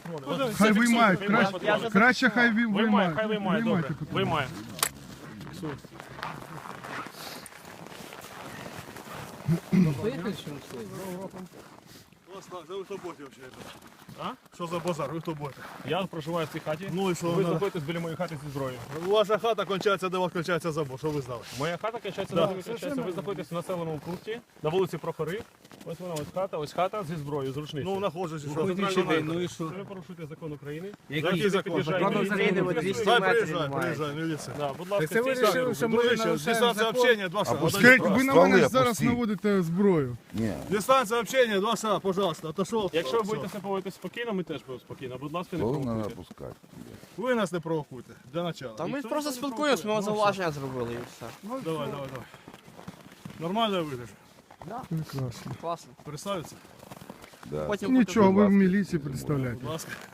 патрони. Хай виймають, краще хай Виймає, хай виймають. виймає, добре. Виймайте. Виймає. Ви хто боті взагалі? А? Що за базар? Ви хто боті? Я проживаю в цій хаті. Ну і що? Ви знаходитесь біля моєї хати зі зброєю. Ваша хата кончається, де у вас кончається забор, що ви знали? Моя хата качається на вулиці. Ви знаходитесь в населеному пункті, на вулиці Прохори. Ось вона, ось хата зі зброєю, з рушницею. Ну, знаходжусь, що? Ну і що? Ви порушуєте закон України. Який закон? Закон України, ви 200 Хай метрів приїжджай, немає. приїжджай, міліція. Да, будь ласка, Це ви стійте. вирішили, що ми Дружище, нарушаємо дистанція закон? общення, 2 шага. Скажіть, ви на Стволи мене зараз опусти. наводите зброю. Ні. Дистанція общення, 2 шага, пожалуйста, отошов. Якщо ви будете себе поводити спокійно, ми теж будемо спокійно. Будь ласка, не Стволи треба провокуйте. опускати. Ви нас не провокуйте, для начала. Та ми просто спілкуємося, ми вам зауваження зробили і все. Давай. Нормально вийдеш? Прекрасно. Класно. Представиться? Да. Потім Нічого, ви в ласка. міліції представляєте. Будь ласка.